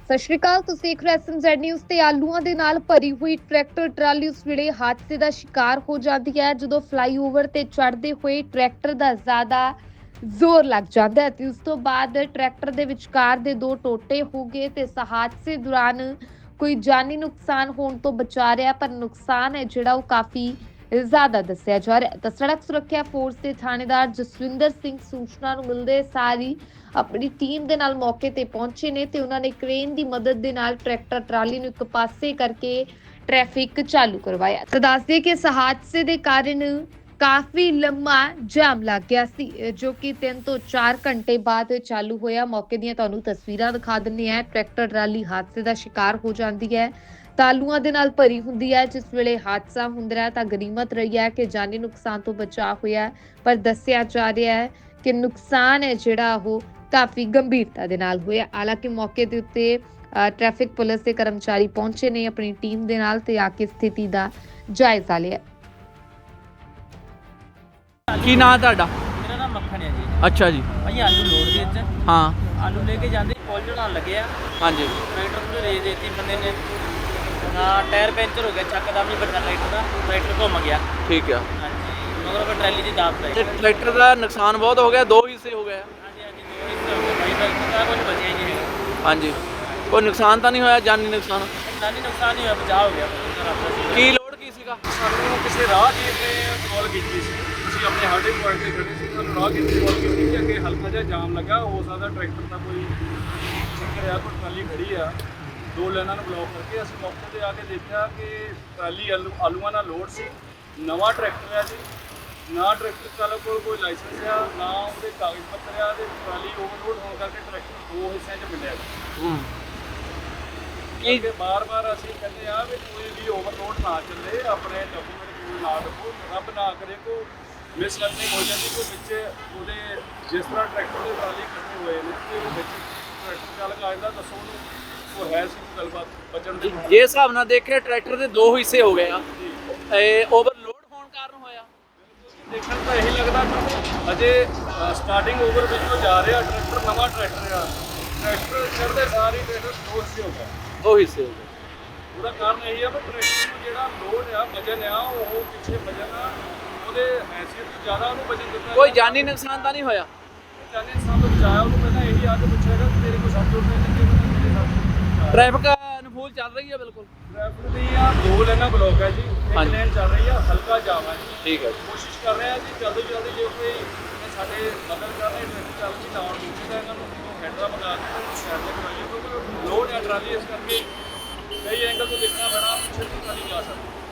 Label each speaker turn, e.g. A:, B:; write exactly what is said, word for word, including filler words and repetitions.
A: ਸਤਿ ਸ਼੍ਰੀ ਅਕਾਲ। ਤੁਸੀਂ ਦੇਖ ਰਹੇ ਐਸਐਮਜ਼ੈਡ ਨਿਊਜ਼ ਤੇ ਆਲੂਆਂ ਦੇ ਨਾਲ ਭਰੀ ਹੋਈ ਟਰੈਕਟਰ ਟਰਾਲੀ ਉਸ ਵੇਲੇ ਹਾਦਸੇ ਦਾ ਸ਼ਿਕਾਰ ਹੋ ਜਾਂਦੀ ਹੈ ਜਦੋਂ ਫਲਾਈਓਵਰ ਤੇ ਚੜ੍ਹਦੇ ਹੋਏ ਟਰੈਕਟਰ ਦਾ ਜ਼ਿਆਦਾ ਜ਼ੋਰ ਲੱਗ ਜਾਂਦਾ ਹੈ ਤੇ ਉਸ ਤੋਂ ਬਾਅਦ ਟਰੈਕਟਰ ਦੇ ਵਿਚਕਾਰ ਦੇ ਦੋ ਟੋਟੇ ਹੋ ਗਏ ਤੇ ਇਸ ਹਾਦਸੇ ਦੌਰਾਨ ਕੋਈ ਜਾਨੀ ਨੁਕਸਾਨ ਹੋਣ ਤੋਂ ਬਚਾ ਰਿਹਾ, ਪਰ ਨੁਕਸਾਨ ਹੈ ਜਿਹੜਾ ਉਹ ਕਾਫੀ ਜ਼ਿਆਦਾ ਦੱਸਿਆ ਜਾ ਰਿਹਾ ਹੈ। ਤਾਂ ਸੜਕ ਸੁਰੱਖਿਆ ਫੋਰਸ ਦੇ ਥਾਣੇਦਾਰ ਜਸਵਿੰਦਰ ਸਿੰਘ ਸੂਚਨਾ ਨੂੰ ਮਿਲਦੇ ਸਾਰੀ ਆਪਣੀ ਟੀਮ ਦੇ ਨਾਲ ਮੌਕੇ ਤੇ ਪਹੁੰਚੇ ਨੇ ਤੇ ਉਹਨਾਂ ਨੇ ਕ੍ਰੇਨ ਦੀ ਮਦਦ ਦੇ ਨਾਲ ਟਰੈਕਟਰ ਟਰਾਲੀ ਨੂੰ ਇੱਕ ਪਾਸੇ ਕਰਕੇ ਟ੍ਰੈਫਿਕ ਚਾਲੂ ਕਰਵਾਇਆ। ਤਾਂ ਦੱਸਦੇ ਕਿ ਇਸ ਹਾਦਸੇ ਦੇ ਕਾਰਨ ਕਾਫੀ ਲੰਮਾ ਜਾਮ ਲੱਗ ਗਿਆ ਸੀ ਜੋ ਕਿ ਤਿੰਨ ਤੋਂ ਚਾਰ ਘੰਟੇ ਬਾਅਦ ਚਾਲੂ ਹੋਇਆ। ਮੌਕੇ ਦੀਆਂ ਤੁਹਾਨੂੰ ਤਸਵੀਰਾਂ ਦਿਖਾ ਦਿੰਨੇ ਆ। ਟਰੈਕਟਰ ਟਰਾਲੀ ਹਾਦਸੇ ਦਾ ਸ਼ਿਕਾਰ ਹੋ ਜਾਂਦੀ ਹੈ, ਤਾਲੂਆਂ ਦੇ ਨਾਲ ਭਰੀ ਹੁੰਦੀ ਹੈ। ਜਿਸ ਵੇਲੇ ਹਾਦਸਾ ਹੁੰਦਾ ਹੈ ਤਾਂ ਗਨੀਮਤ ਰਹੀ ਹੈ ਕਿ ਜਾਨੀ ਨੁਕਸਾਨ ਤੋਂ ਬਚਾਅ ਹੋਇਆ, ਪਰ ਦੱਸਿਆ ਜਾ ਰਿਹਾ ਹੈ ਕਿ ਨੁਕਸਾਨ ਹੈ ਜਿਹੜਾ ਉਹ ਕਾਫੀ ਗੰਭੀਰਤਾ ਦੇ ਨਾਲ ਹੋਇਆ। ਹਾਲਾਂਕਿ ਮੌਕੇ ਦੇ ਉੱਤੇ ਟ੍ਰੈਫਿਕ ਪੁਲਿਸ ਦੇ ਕਰਮਚਾਰੀ ਪਹੁੰਚੇ ਨੇ ਆਪਣੀ ਟੀਮ ਦੇ ਨਾਲ ਤੇ ਆ ਕੇ ਸਥਿਤੀ ਦਾ ਜਾਇਜ਼ਾ ਲਿਆ।
B: ਕੀ ਨਾਂ ਤੁਹਾਡਾ?
C: ਮੇਰਾ ਨਾਮ ਮੱਖਣ ਹੈ ਜੀ।
B: ਅੱਛਾ ਜੀ।
C: ਭਾਈ ਆਲੂ ਲੋਡ ਦੇ ਵਿੱਚ
B: ਹਾਂ
C: ਆਲੂ ਲੈ ਕੇ ਜਾਂਦੇ ਪੁਲ ਚੜਾਉਣ ਲੱਗੇ ਆ।
B: ਹਾਂਜੀ
C: ਟਰੈਕਟਰ ਨੂੰ ਰੇਸ ਦੇਤੀ ਬੰਦੇ ਨੇ, ਹਾਂ ਟਾਇਰ ਪੈਂਚਰ ਹੋ ਗਿਆ ਚੱਕਦਮ ਹੀ ਵੱਡਾ ਟਰੈਕਟਰ ਦਾ, ਟਰੈਕਟਰ ਘੁੰਮ ਗਿਆ।
B: ਠੀਕ ਆ।
C: ਹਾਂਜੀ ਮਗਰ ਉਹ ਟਰਾਲੀ ਦੀ ਦਾਬ ਪਈ।
B: ਤੇ ਟਰੈਕਟਰ ਦਾ ਨੁਕਸਾਨ ਬਹੁਤ ਹੋ ਗਿਆ, ਦੋ ਹਿੱਸੇ ਹੋ ਗਏ ਆ।
C: ਹਾਂਜੀ ਹਾਂਜੀ ਦੋ ਹਿੱਸੇ ਹੋ ਗਏ ਭਾਈ, ਬਾਕੀ ਤਾਂ ਕੁਝ ਬਚਿਆ ਹੀ ਨਹੀਂ।
B: ਹਾਂਜੀ ਕੋਈ ਨੁਕਸਾਨ ਤਾਂ ਨਹੀਂ ਹੋਇਆ, ਜਾਨੀ ਨੁਕਸਾਨ?
C: ਜਾਨੀ ਨੁਕਸਾਨ ਨਹੀਂ ਹੋਇਆ, ਬਚਾਅ ਹੋ ਗਿਆ।
B: ਕੀ ਲੋਡ ਕੀ ਸੀਗਾ?
D: ਸਾਨੂੰ ਕਿਸੇ ਰਾਹਗੀਰ ਨੇ ਕਾਲ ਕੀਤੀ ਸੀ। ਅਸੀਂ ਆਪਣੇ ਹਾਰਡਿੰਗ ਪੁਆਇੰਟ ਤੇ ਖੜੇ ਸੀ, ਸਾਨੂੰ ਰਾਹਗੀਰ ਨੇ ਕਾਲ ਕੀਤੀ ਕਿ ਅੱਗੇ ਹਲਕਾ ਜਿਹਾ ਜਾਮ ਲੱਗਾ, ਹੋ ਸਕਦਾ ਟਰੈਕਟਰ ਦਾ ਕੋਈ ਚੱਕਰ ਆ, ਕੋਈ ਟਰਾਲੀ ਖੜੀ ਆ, ਦੋ ਲਾਈਨਾਂ ਨੂੰ ਬਲੌਕ ਕਰਕੇ। ਅਸੀਂ ਮੌਕੇ ਤੇ ਆ ਕੇ ਦੇਖਿਆ ਕਿ ਟਰਾਲੀ ਆਲੂ ਆਲੂਆਂ ਨਾਲ ਲੋਡ ਸੀ। ਨਵਾਂ ਟਰੈਕਟਰ ਆ ਜੀ, ਨਾ ਟਰੈਕਟਰ ਚਾਲਕ ਕੋਲ ਕੋਈ ਲਾਇਸੈਂਸ ਆ, ਨਾ ਉਹਦੇ ਕਾਗਜ਼ ਪੱਤਰ ਆ, ਤੇ ਟਰਾਲੀ ਓਵਰਲੋਡ ਹੋਣ ਕਰਕੇ ਟਰੈਕਟਰ ਦੋ ਹਿੱਸਿਆਂ 'ਚ ਵੰਡਿਆ
B: ਹੂੰ
D: ਕੀ ਬਾਰ-ਬਾਰ ਅਸੀਂ ਕਹਿੰਦੇ ਆ ਵੀ ਕੋਈ ਵੀ ਓਵਰਲੋਡ ਨਾ ਚੱਲੇ, ਆਪਣੇ ਡਾਕੂਮੈਂਟ ਕੋਲ ਨਾ ਰੱਖੋ, ਰੱਬ ਨਾ ਕਰੇ ਕੋ ਮਿਸਲਰਨਿੰਗ ਹੋ ਜਾਂਦੀ ਕੋਈ ਵਿੱਚ ਉਹਦੇ। ਜਿਸ ਤਰ੍ਹਾਂ ਟਰੈਕਟਰ ਦੇ ਟਰਾਲੀ ਇਕੱਠੇ ਹੋਏ ਨੇ ਤੇ ਉਹ ਵਿੱਚ ਟਰੈਕਟਰ ਚਾਲਕ ਆ ਜਾਂਦਾ, ਦੱਸੋ ਉਹਨੂੰ ਉਹ ਹੈ ਸੀ ਕੋਈ ਗੱਲਬਾਤ ਬਚਣ ਦੀ?
B: ਜੇ ਹਿਸਾਬ ਨਾਲ ਦੇਖਿਆ ਟਰੈਕਟਰ ਦੇ ਦੋ ਹਿੱਸੇ ਹੋ ਗਏ ਆ, ਇਹ ਓਵਰਲੋਡ ਹੋਣ ਕਾਰਨ ਹੋਇਆ।
D: ਦੇਖਣ ਤਾਂ ਇਹੀ ਲੱਗਦਾ ਕਿ ਅਜੇ ਸਟਾਰਟਿੰਗ ਓਵਰ ਵਿੱਚੋਂ ਜਾ ਰਿਹਾ ਟਰੈਕਟਰ, ਨਵਾਂ ਟਰੈਕਟਰ ਆ, ਟਰੈਕਟਰ ਚੜ੍ਹਦੇ ਸਾਰੀ ਟਰੈਕਟਰ ਦੋ ਹਿੱਸੇ ਹੋ ਗਿਆ।
B: ਦੋ ਹਿੱਸੇ ਹੋ ਗਏ।
D: ਉਹਦਾ ਕਾਰਨ ਇਹੀ ਆ ਵੀ ਟਰੈਕਟਰ ਨੂੰ ਜਿਹੜਾ ਲੋਡ ਆ, ਵਜਨ ਆ, ਉਹ ਪਿੱਛੇ ਵਜਨ ਆ, ਉਹਦੇ ਹੈਸੀਅਤ ਤੋਂ ਜ਼ਿਆਦਾ ਉਹਨੂੰ ਵਜਨ ਦਿੱਤਾ।
B: ਕੋਈ ਜਾਨੀ ਨੁਕਸਾਨ ਤਾਂ ਨਹੀਂ ਹੋਇਆ?
D: ਜਾਨੀ ਨੁਕਸਾਨ ਤੋਂ ਬਚਾਇਆ ਉਹਨੂੰ। ਪਹਿਲਾਂ ਇਹੀ ਆ ਕੇ ਪੁੱਛਿਆਗਾ ਕਿ ਤੇਰੇ ਕੋਲ ਸਭ ਤੋਂ ਪਹਿਲਾਂ ਕਿ ਮੇਰੇ ਸਭ
B: ਟ੍ਰੈਫਿਕ ਅਨੁਕੂਲ ਚੱਲ ਰਹੀ ਹੈ ਬਿਲਕੁਲ?
D: ਟ੍ਰੈਫਿਕ ਦੀ ਆ ਦੋ ਲਾਈਨਾਂ ਬਲੌਕ ਹੈ ਜੀ, ਇੱਕ
B: ਹਾਂਜੀ।
D: ਲੇਨ ਚੱਲ ਰਹੀ ਆ, ਹਲਕਾ ਜਾਮ ਹੈ ਜੀ।
B: ਠੀਕ ਹੈ।
D: ਕੋਸ਼ਿਸ਼ ਕਰ ਰਹੇ ਆ ਜੀ ਜਲਦੀ ਜਲਦੀ, ਜੇ ਕੋਈ ਸਾਡੇ ਮਦਦ ਕਰ ਰਹੇ ਟਰੈਫਿਕ ਚੱਲ ਜੀ ਨਾ ਦੂਸਰੀ ਦਾ ਇਹਨਾਂ ਨੂੰ ਹੈਂਡਰਾ ਬਣਾ ਕੇ ਸਾਈਡ ਤੇ ਕਰਾਈਏ, ਕਿਉਂਕਿ ਲੋਡ ਹੈ ਟਰਾਲੀ, ਇਸ ਕਰਕੇ